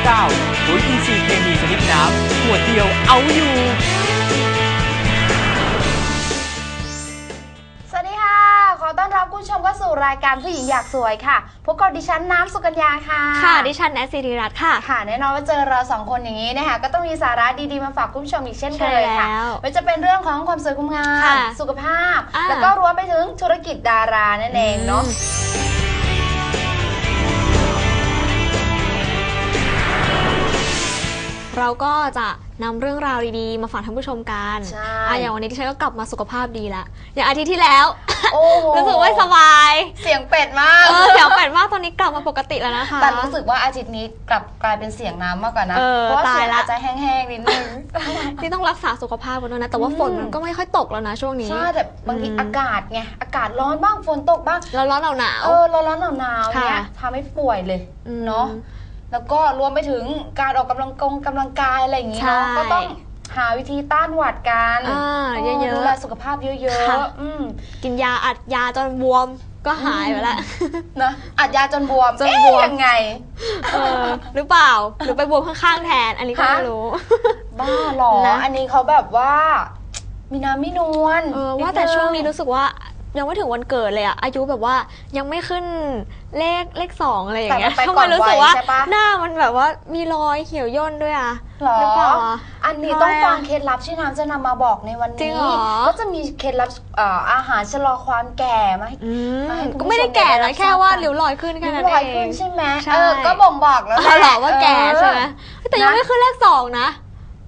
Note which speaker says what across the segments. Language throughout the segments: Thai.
Speaker 1: 9ปุ๋ยอินทรีย์เคมีชนิดน้ำขวดเดียวเอาอยู่
Speaker 2: สวัสดีค่ะขอต้อนรับคุณผู้ชมเข้าสู่รายการผู้หญิงอยากสวยค่ะพบกับดิฉันน้ำสุกัญญาค่ะ
Speaker 3: ค่ะดิฉันแนทศิริรัตน์ค่ะ
Speaker 2: ค่ะแน่นอนว่าเจอเราสองคนอย่างนี้นะคะก็ต้องมีสาระดีๆมาฝากคุณผู้ชมอีกเช่นเคยค่ะไม่ว่าจะเป็นเรื่องของความสวยความงามสุขภาพแล้วก็รวมไปถึงธุรกิจดารานั่นเองเนาะ
Speaker 3: เราก็จะนำเรื่องราวดีๆมาฝากท่านผู้ชมกันอย่างวันนี้ที่ฉันก็กลับมาสุขภาพดีละอย่างอาทิตย์ที่แล้วรู้สึกว่าสบาย
Speaker 2: เสียงเป็ดมาก
Speaker 3: เสียงเป็ดมากตอนนี้กลับมาปกติแล้วนะคะ
Speaker 2: แต่รู้สึกว่าอาทิตย์นี้กลายเป็นเสียงน้ำมากกว่านะเพราะว่าเสียงอาจจะแห้งๆนิดนึง
Speaker 3: ที่ต้องรักษาสุขภาพกันด้วยนะแต่ว่าฝนมันก็ไม่ค่อยตกแล้วนะช่วงนี้
Speaker 2: ใช่แต่บางทีอากาศไงอากาศร้อนบ้างฝนตกบ้าง
Speaker 3: ร้อนหนาว
Speaker 2: ร้อนหนาวเนี่ยทำให้ป่วยเลยเนาะแล้วก็รวมไปถึงการออกกำลังกายอะไรอย่างงี้เนาะก็ต้องหาวิธีต้านหวัดกัน
Speaker 3: เยอะๆ
Speaker 2: ดูแลสุขภาพเยอะ
Speaker 3: ๆกินยาอัดยาจนบวมก็หายไปแล้ว
Speaker 2: นะอัดยาจนบวมยังไง
Speaker 3: หรือเปล่าหรือไปบวมข้างๆแทนอันนี้ก็ไม่รู้
Speaker 2: บ้าหรออันนี้เขาแบบว่ามีน้ำไม่นวล
Speaker 3: ว่าแต่ช่วงนี้รู้สึกว่ายังไม่ถึงวันเกิดเลยอะอายุแบบว่ายังไม่ขึ้นเลข2อะไรอย่างเงี้ยทำไมรู้สึกว่าหน้ามันแบบว่ามีรอยเหี่ยวย่นด้วยอะ
Speaker 2: หรือเปล่าอันนี้ต้องฟังเคล็ดลับที่น้ำจะนำมาบอกในวันนี้ก็จะมีเคล็ดลับอาหารชะลอความแก่มา
Speaker 3: ก็ไม่ได้แก่นะแค่ว่าริ้วรอยขึ้นแค่นั้นเอง
Speaker 2: ใช่ไหมก็บ่งบอกแล้ว
Speaker 3: หรอว่าแก่ใช่ไหมแต่ยังไม่ขึ้นเลข2นะ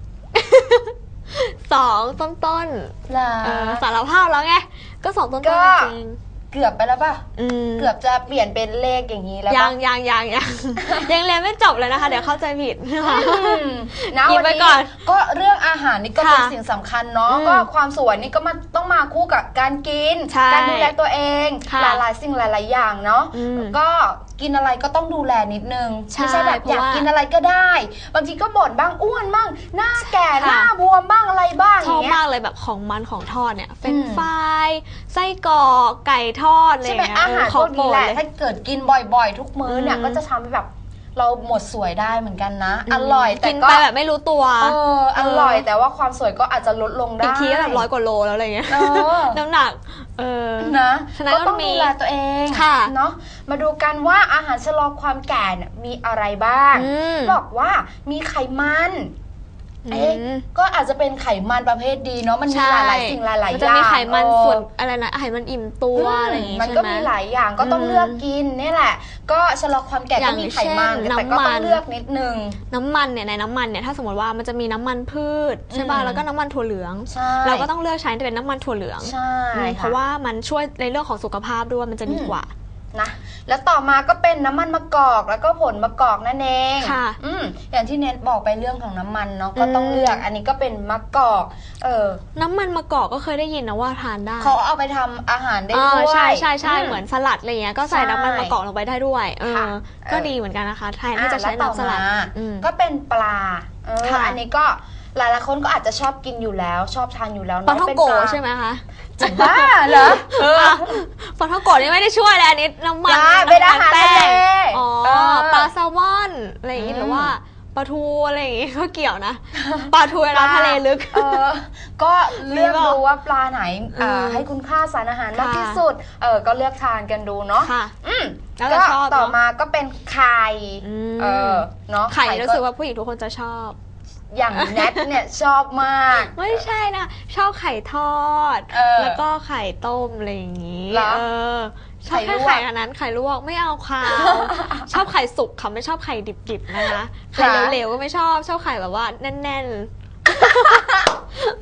Speaker 3: 2ต้นสารภาพแล้วไงก็2ต้นจริง
Speaker 2: เกือบไปแล้วป่ะเกือบจะเปลี่ยนเป็นเลขอย่างนี้แล้ว
Speaker 3: ยังยังเรียนไม่จบเลยนะคะเดี๋ยวเข้าใจผิด
Speaker 2: นะวันนี้ก็เรื่องอาหารนี่ก็เป็นสิ่งสำคัญเนาะก็ความสวยนี่ก็ต้องมาคู่กับการกินการดูแลตัวเองหลายๆสิ่งหลายๆอย่างเนาะก็กินอะไรก็ต้องดูแลนิดนึงไม่ใช่แบบอยากกินอะไรก็ได้บางทีก็บ่นบ้างอ้วนบ้างหน้าแก่หน้าบวมบ้างอะไรบ้าง
Speaker 3: ชอบมากเลยแบบของมันของทอดเนี่ยเป็นฟรายไส้กรอกไก่ทอดอะไรอย่างเงี้ย
Speaker 2: อาหารพวกนี้แหละถ้าเกิดกินบ่อยๆทุกมื้อเนี่ยก็จะทำให้แบบเราหมดสวยได้เหมือนกันนะอร่อยแต่
Speaker 3: กินไปแบบไม่รู้ตัว
Speaker 2: อร่อยแต่ว่าความสวยก็อาจจะลดลงได้
Speaker 3: อีกทีก็แบบ100 กว่าโลแล้วอะไรเงี้ยน้ำหนัก
Speaker 2: นะก็ต้องดูแลตัวเองเนาะมาดูกันว่าอาหารชะลอความแก่มีอะไรบ้างบอกว่ามีไขมันก็อาจจะเป็นไขมันประเภทดีเนาะมันมีหลายสิ่งหลายอย่างมัน
Speaker 3: จะมีไขมันส่วนอะไรนะไขมันอิ่มตัวอะไรอย่างงี้
Speaker 2: มันก็มีหลายอย่างก็ต้องเลือกกินนี่แหละก็ชะลอความแก่ก็มีไขมันแต่ก็ต้องเลือกนิดนึง
Speaker 3: น้ำมันเนี่ยในน้ำมันเนี่ยถ้าสมมติว่ามันจะมีน้ำมันพืชใช่ป่ะแล้วก็น้ำมันถั่วเหลืองเราก็ต้องเลือกใช้เป็นน้ำมันถั่วเหลืองเพราะว่ามันช่วยในเรื่องของสุขภาพด้วยมันจะดีกว่า
Speaker 2: นะแล้วต่อมาก็เป็นน้ำมันมะกอกแล้วก็ผลมะกอกนั่นเองอย่างที่เน็ตบอกไปเรื่องของน้ำมันเนาะก็ต้องเลือกอันนี้ก็เป็นมะกอก
Speaker 3: น้ำมันมะกอกก็เคยได้ยินนะว่าทานได้
Speaker 2: เขาเอาไปทำอาหารได้ด้วย
Speaker 3: ใช่เหมือนสลัดอะไรเงี้ยก็ใส่น้ำมันมะกอกลงไปได้ด้วยก็ดีเหมือนกันนะคะแทนที่จะใช้น้ำสลัด
Speaker 2: ก็เป็นปลาอันนี้ก็หลายๆคนก็อาจจะชอบกินอยู่แล้วชอบทานอยู่แล้ว
Speaker 3: ปลาท่องโกใช่ไหมคะ
Speaker 2: จะบ้าเหรอ
Speaker 3: ปลาท่องโกนี่ไม่ได้ช่วยเลยอันนี้น้ำมัน
Speaker 2: เป็นอาหารทะเล
Speaker 3: ปลาแซลมอนอะไรอย่างงี้หรือว่าปลาทูอะไรอย่างงี้ก็เกี่ยวนะปลาทูในทะเลลึก
Speaker 2: ก็เลือกดูว่าปลาไหนให้คุณค่าสารอาหารมากที่สุดก็เลือกทานกันดูเนาะ
Speaker 3: แล้ว
Speaker 2: ก็ต่อมาก็เป็นไข่เนาะ
Speaker 3: ไข่รู้สึกว่าผู้หญิงทุกคนจะชอบ
Speaker 2: อย่างแนทเนี่ยชอบมาก
Speaker 3: ไม่ใช่นะชอบไข่ทอดแล้วก็ไข่ต้มอะไรอย่างนี้ชอบแค่ไข่อันนั้นไข่ลวกไม่เอาค่ะชอบไข่สุกค่ะไม่ชอบไข่ดิบๆนะคะไข่เหลวๆก็ไม่ชอบไข่แบบว่าแน่นๆ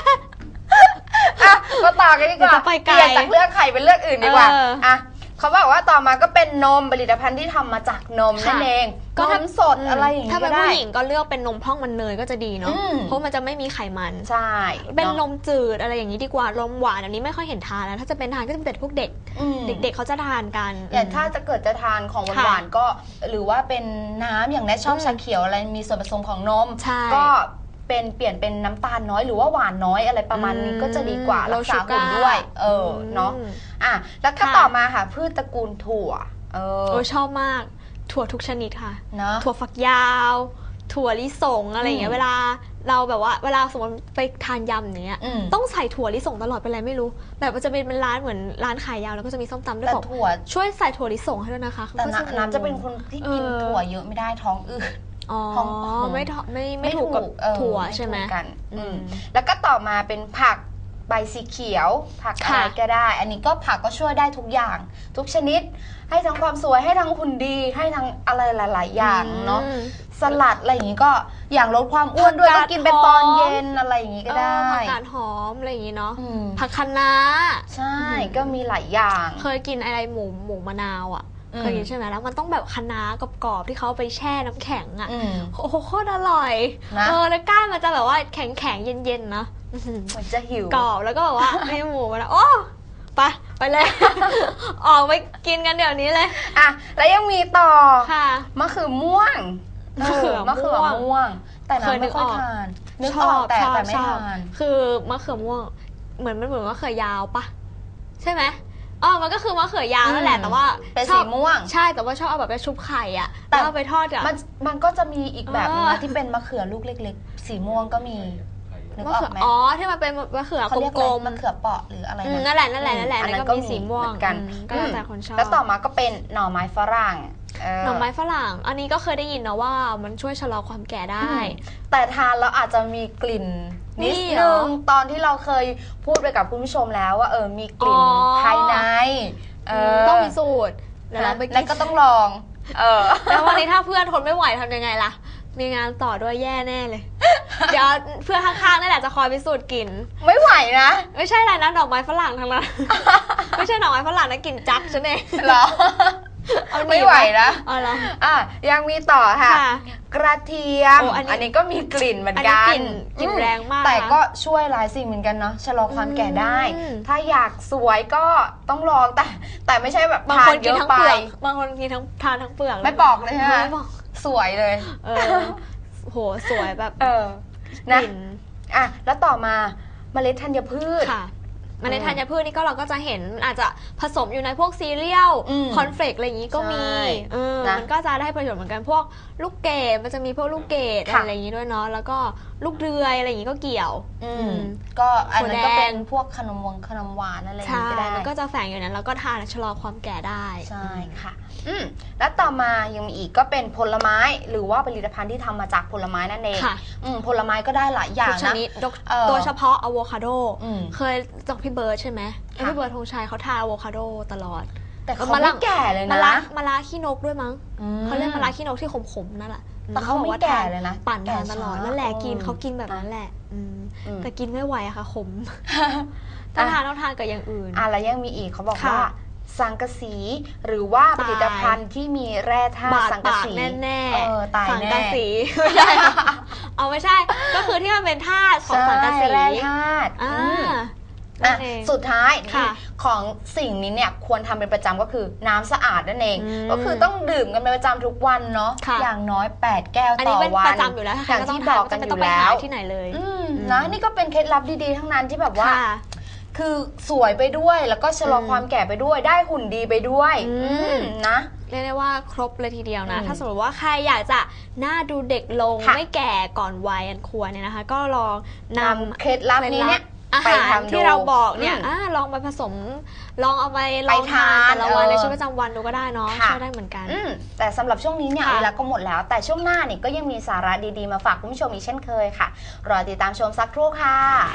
Speaker 2: ก็ต่อกันดีกว่าเปลี่ยนจากเลือกไข่เป็นเลือกอื่นดีกว่าเขาบอกว่าต่อมาก็เป็นนมผลิตภัณฑ์ที่ทำมาจากนมนั่นเองก็นมสดอะไรอย่างนี้
Speaker 3: ถ้าเป็นผู้หญิงก็เลือกเป็นนมพองมันเนยก็จะดีเนาะเพราะมันจะไม่มีไขมัน
Speaker 2: ใช่
Speaker 3: เป็นนมจืดอะไรอย่างนี้ดีกว่านมหวานอันนี้ไม่ค่อยเห็นทานแล้วถ้าจะเป็นทานก็จะเป็นพวกเด็กเขาจะทานกัน
Speaker 2: อย่างถ้าจะเกิดจะทานของหวานก็หรือว่าเป็นน้ำอย่างแนทชอบชาเขียวอะไรมีส่วนผสมของนมก็เปลี่ยนเป็นน้ำตาลน้อยหรือว่าหวานน้อยอะไรประมาณนี้ก็จะดีกว่ารักษาหุ่นด้วยเนาะแล้วก็ต่อมาค่ะพืชตระกูลถั่ว
Speaker 3: ชอบมากถั่วทุกชนิดค่ะ
Speaker 2: เนาะ
Speaker 3: ถั่วฝักยาวถั่วลิสงอะไรอย่างเงี้ยเวลาเราแบบว่าเวลาสมมติไปทานยำอย่างเงี้ยต้องใส่ถั่วลิสงตลอดเป็นไรไม่รู้แบบมันจะเป็นร้านเหมือนร้านขายยำแล้วก็จะมีส้มตำด้วยบอกช่วยใส่ถั่วลิสงให้ด้วยนะคะ
Speaker 2: แต่น้ำจะเป็นคนที่กินถั่วเยอะไม่ได้ท้องอืด
Speaker 3: ท้องไม่ถูกกับถั่วใช่ไหม
Speaker 2: กันแล้วก็ต่อมาเป็นผักใบสีเขียวผักอะไรก็ได้อันนี้ก็ผักก็ช่วยได้ทุกอย่างทุกชนิดให้ทั้งความสวยให้ทั้งหุ่นดีให้ทั้งอะไรหลายๆอย่างเนาะสลัดอะไรอย่างนี้ก็อย่างลดความอ้วนด้วยก็กินเป็นตอนเย็นอะไรอย่างนี้ก็ได้
Speaker 3: ผักกาดหอมอะไรอย่างนี้เนาะผักคะน้า
Speaker 2: ใช่ก็มีหลายอย่าง
Speaker 3: เคยกินอะไรหมูมะนาวอ่ะเคยกินใช่ไหมแล้วมันต้องแบบคะน้ากรอบๆที่เขาไปแช่น้ำแข็งอ่ะโอ้โหโคตรอร่อยแล้วก้านมันจะแบบว่าแข็งๆเย็นๆนะ
Speaker 2: มันจะหิว
Speaker 3: กรอบแล้วก็แบบว่าในหมูมะนาวโอ้ไปเลย ออกไปกินกันเดี๋ยวนี้เลย
Speaker 2: อ่ะแล้วยังมีต่อ
Speaker 3: ค่ะ
Speaker 2: มะเขือม่วงมะเขือม่วงแต่น้ำไม่ค่อยทานนึกออกแต่ไม่ทาน
Speaker 3: คือมะเขือม่วงเหมือนมะเขือยาวปะใช่ไหมมันก็คือมะเขือยาวนั่นแหละแต่ว่า
Speaker 2: เป็นสีม่วง
Speaker 3: ใช่แต่ว่าชอบเอาแบบไปชุบไข่อ่ะแต่เอาไปทอดอ่ะ
Speaker 2: มันก็จะมีอีกแบบนึงที่เป็นมะเขือลูกเล็กๆสีม่วงก็มี
Speaker 3: มะเขือที่มันเป็นมะเขือกลม
Speaker 2: ๆมะเขือเปาะหรืออะไร
Speaker 3: นั่นแหละแล้วก็มีสีม่วง
Speaker 2: กัน
Speaker 3: ก็แล้วแต่คนชอบ
Speaker 2: แล้วต่อมาก็เป็นหน่อไม้ฝรั่ง
Speaker 3: หน่อไม้ฝรั่งอันนี้ก็เคยได้ยินนะว่ามันช่วยชะลอความแก่ได้
Speaker 2: แต่ทานแล้วอาจจะมีกลิ่นนิดนึงตอนที่เราเคยพูดไปกับคุณผู้ชมแล้วว่ามีกลิ่นภายใน
Speaker 3: ต้องมีสูตร
Speaker 2: แล้วก็ต้องลอง
Speaker 3: แล้ววันนี้ถ้าเพื่อนทนไม่ไหวทำยังไงล่ะมีงานต่อด้วยแย่แน่เลยเดี๋ยวเพื่อนข้างๆนั่นแหละจะคอยพิสูจน์กลิ่น
Speaker 2: ไม่ไหวนะ
Speaker 3: ไม่ใช่อะไรนะดอกไม้ฝรั่งทั้งนั้นไม่ใช่ดอกไม้ฝรั่งนะกลิ่นจักฉันเอง
Speaker 2: เหรอไม่ไหวนะยังมีต่อค่ะกระเทียมอันนี้ก็มีกลิ่นเหมือนกัน
Speaker 3: กลิ่นแรงมาก
Speaker 2: แต่ก็ช่วยหลายสิ่งเหมือนกันเนาะชะลอความแก่ได้ถ้าอยากสวยก็ต้องลองแต่ไม่ใช่แบบทานเยอะไป
Speaker 3: บางคนกินทานทั้งเปลือก
Speaker 2: ไม่บอกเลยใช่ไหมสวยเลย
Speaker 3: โหสวยแบบ
Speaker 2: นะแล้วต่อมาเมล็ดธัญพืช
Speaker 3: เมล็ดธัญพืชนี่ก็เราก็จะเห็นอาจจะผสมอยู่ในพวกซีเรียลคอนเฟลกอะไรอย่างนี้ก็มีมันก็จะได้ประโยชน์เหมือนกันพวกลูกเกดมันจะมีพวกลูกเกดอะไรอย่างนี้ด้วยเนาะแล้วก็ลูกเดือยอะไรอย่างนี้ก็เกี่ยว
Speaker 2: ก็อันนั้นก็เป็นพวกขนมหวานอะไรอย่างนี้ก็ได้
Speaker 3: มันก็จะแฝงอยู่นั้นแล้วก็ทานชะลอความแก่ได้
Speaker 2: ใช่ค่ะแล้วต่อมายังมีอีกก็เป็นผลไม้หรือว่าผลิตภัณฑ์ที่ทำมาจากผลไม้นั่นเองผลไม้ก็ได้หลายอย่างนะ
Speaker 3: โดยเฉพาะอะโวคาโดเคยจากพี่เบิร์ดใช่ไหมพี่เบิร์ดธงชัยเขาทานอะโวคาโดตลอด
Speaker 2: แต่เขาไม่แก่เลยนะ
Speaker 3: มะระขี้นกด้วยมั้งเขาเรียกมะระขี้นกที่ขมๆนั่นแหละ
Speaker 2: แต่เขาไม่แก่เลยนะ
Speaker 3: ปั่นทานตลอดนั่นแหละเขากินแบบนั้นแหละแต่กินไม่ไหวอะค่ะขมถ้าทานต้องทานกับอย่างอื่น
Speaker 2: แล้วยังมีอีกเขาบอกว่าสังกะสีหรือว่าผลิตภัณฑ์ที่มีแร่ธาตุสังกะสี
Speaker 3: แน่
Speaker 2: ๆตายแน่
Speaker 3: สังกะสีไม่ใช่ก็คือที่มันเป็นธาตุของสังกะสี
Speaker 2: แร่ธาตุสุดท้ายของสิ่งนี้เนี่ยควรทำเป็นประจำก็คือน้ำสะอาดนั่นเองก็คือต้องดื่มกันเป็นประจำทุกวันเนาะอย่างน้อย8แก้วต่อวัน
Speaker 3: ประจำอยู่แล้ว
Speaker 2: อย่างที่บอกกันอยู่แล้ว
Speaker 3: ที่ไหนเลย
Speaker 2: นะนี่ก็เป็นเคล็ดลับดีๆทั้งนั้นที่แบบว่าคือสวยไปด้วยแล้วก็ชะลอความแก่ไปด้วยได้หุ่นดีไปด้วยนะ
Speaker 3: เรียกได้ว่าครบเลยทีเดียวนะถ้าสมมติว่าใครอยากจะหน้าดูเด็กลงไม่แก่ก่อนวัยอันควรเนี่ยนะคะก็ลองน
Speaker 2: ำเคล็ดลับนี้เนี่ย
Speaker 3: อาหารที่เราบอกเนี่ยลองไปผสมลองเอาไปลองทานแต่ละวันในชีวิตประจำวันดูก็ได้เนาะช่วยได้เหมือนกัน
Speaker 2: แต่สำหรับช่วงนี้เนี่ยเวลาก็หมดแล้วแต่ช่วงหน้าเนี่ยก็ยังมีสาระดีๆมาฝากคุณผู้ชมอีกเช่นเคยค่ะรอติดตามชมสักครู่ค่ะ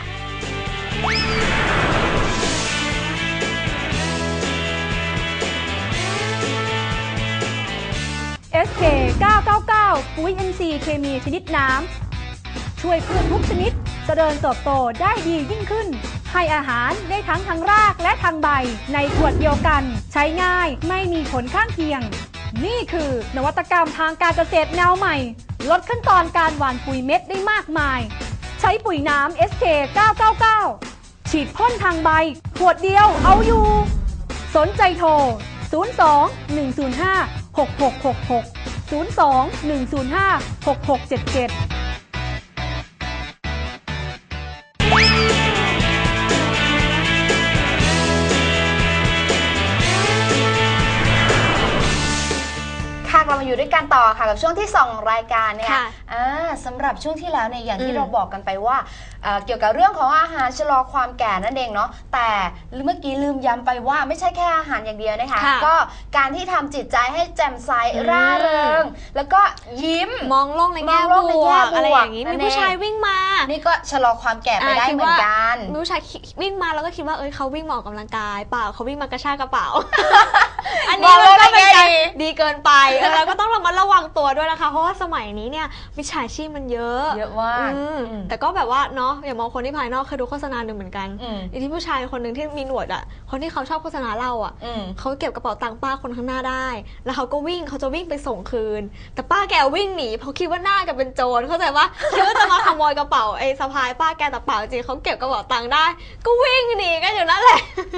Speaker 1: SK 999ปุ๋ย NC เคมีชนิดน้ำช่วยพืชทุกชนิดเจริญเติบโตได้ดียิ่งขึ้นให้อาหารได้ทั้งทางรากและทางใบในขวดเดียวกันใช้ง่ายไม่มีผลข้างเคียงนี่คือนวัตกรรมทางการเกษตรแนวใหม่ลดขั้นตอนการหว่านปุ๋ยเม็ดได้มากมายใช้ปุ๋ยน้ำ SK 999ฉีดพ่นทางใบขวดเดียวเอาอยู่สนใจโทร02-105-6666 02-105-6677
Speaker 2: เรามาอยู่อยู่ด้วยกันต่อค่ะกับช่วงที่2ของรายการเนี่ย
Speaker 3: ค่ะ
Speaker 2: สำหรับช่วงที่แล้วเนี่ยอย่างที่เราบอกกันไปว่าเกี่ยวกับเรื่องของอาหารชะลอความแก่นั่นเองเนาะแต่เมื่อกี้ลืมย้ำไปว่าไม่ใช่แค่อาหารอย่างเดียวนะคะ
Speaker 3: ค่ะ
Speaker 2: ก็การที่ทำจิตใจให้แจ่มใสร่าเริงแล้วก็ยิ้ม
Speaker 3: มองโลกในแง่
Speaker 2: มองโลกใน
Speaker 3: บ
Speaker 2: แง่
Speaker 3: ว
Speaker 2: บ
Speaker 3: ก
Speaker 2: วก
Speaker 3: อะไรอย่างนี้
Speaker 2: นั่
Speaker 3: มี
Speaker 2: นเอง
Speaker 3: ผู้ชายวิ่งมา
Speaker 2: นี่ก็ชะลอความแก่ไปได้เหมือนกัน
Speaker 3: มีผู้ชายวิ่งมาแล้วก็คิดว่าเขาวิ่งมาออกกำลังกายเปล่าเขาวิ่งมากระชากกระเป๋า อันนี้มันก็เป็นการดีเกินไปเราก็ต้องระมัดระวังตัวด้วยนะคะ เพราะว่าสมัยนี้เนี่ยมิจฉาชีพมันเยอะ
Speaker 2: มาก
Speaker 3: แต่ก็แบบว่าเนาะอย่ามองคนที่ภายนอกเคยดูโฆษณาหนึ่งเหมือนกันอีที่ผู้ชายคนหนึ่งที่มีหนวดอ่ะคนที่เขาชอบโฆษณาเราอ่ะเขาเก็บกระเป๋าตังค์ป้าคนข้างหน้าได้แล้วเขาจะวิ่งไปส่งคืนแต่ป้าแกวิ่งหนีเพราะคิดว่าหน้าแกเป็นโจรเข้าใจว่าคิดว่าจะมาขโมยกระเป๋าสะพายป้าแกแต่เปล่าจริงเขาเก็บกระเป๋าตังค์ได้ก็วิ่งหนีกันอยู่นั่นแหละ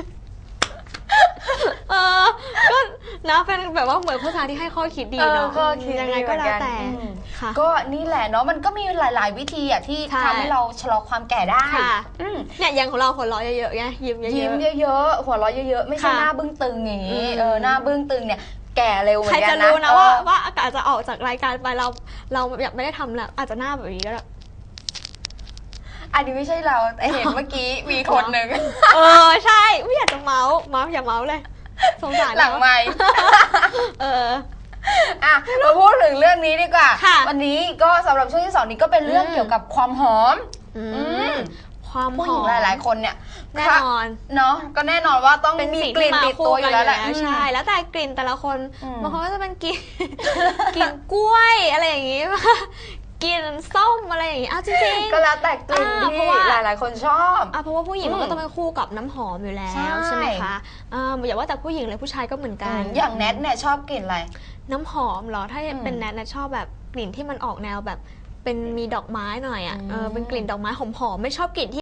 Speaker 3: ก็นะเป็นแบบว่าเหมือนโฆษณาที่ให้ข้อคิดดีเนาะยังไงก็แล้วแต่
Speaker 2: ก็นี่แหละเนาะมันก็มีหลายๆวิธีอ่ะที่ทำให้เราชะลอความแก่ได้
Speaker 3: เนี่ยอย่างของเราหัวเราะเยอะๆไงยิ้ม
Speaker 2: เยอะๆหัวเราะเยอะๆไม่ใช่หน้าบึ้งตึงอย่างนี้หน้าบึ้งตึงเนี่ยแก่เร็วเหมือนกันนะ
Speaker 3: ใครจะรู้นะว่าอาจจะออกจากรายการไปเราอยากไม่ได้ทำแล้วอาจจะหน้าแบบนี้ก็ได้
Speaker 2: อันนี้ไม่ใช่เราแต่เห็นเมื่อกี้มีคนหนึ่ง
Speaker 3: ใช่ไม่อยากจะเมาอย่าเมาเลยสงสาร
Speaker 2: หลังไมค์มาพูดถึงเรื่องนี้ดีกว่าวันนี้ก็สำหรับช่วงที่2นี้ก็เป็นเรื่องเกี่ยวกับความหอม
Speaker 3: ความหอม
Speaker 2: ผู้หญิงหลายๆคนเนี่ย
Speaker 3: แน่นอน
Speaker 2: เนาะก็แน่นอนว่าต้องมีกลิ่นติดตัวอยู่แล้วแหละ
Speaker 3: ใช่แล้วแต่กลิ่นแต่ละคนบางคนก็จะเป็นกลิ่นกล้วยอะไรอย่างงี้กินส้มอะไรอย่างงี้จริง
Speaker 2: ๆก็แล้วแต่กลิ่นที่หลายๆคนชอบ
Speaker 3: เพราะว่าผู้หญิงมันก็ต้องเป็นคู่กับน้ำหอมอยู่แล้วใช่ไหมคะอย่าว่าแต่ผู้หญิงเลยผู้ชายก็เหมือนกัน
Speaker 2: อย่างแนทเนี่ยชอบกลิ่นอะไร
Speaker 3: น้ำหอมเหรอถ้าเป็นแนทชอบแบบกลิ่นที่มันออกแนวแบบเป็นมีดอกไม้หน่อยเป็นกลิ่นดอกไม้หอมๆไม่ชอบกลิ่นที่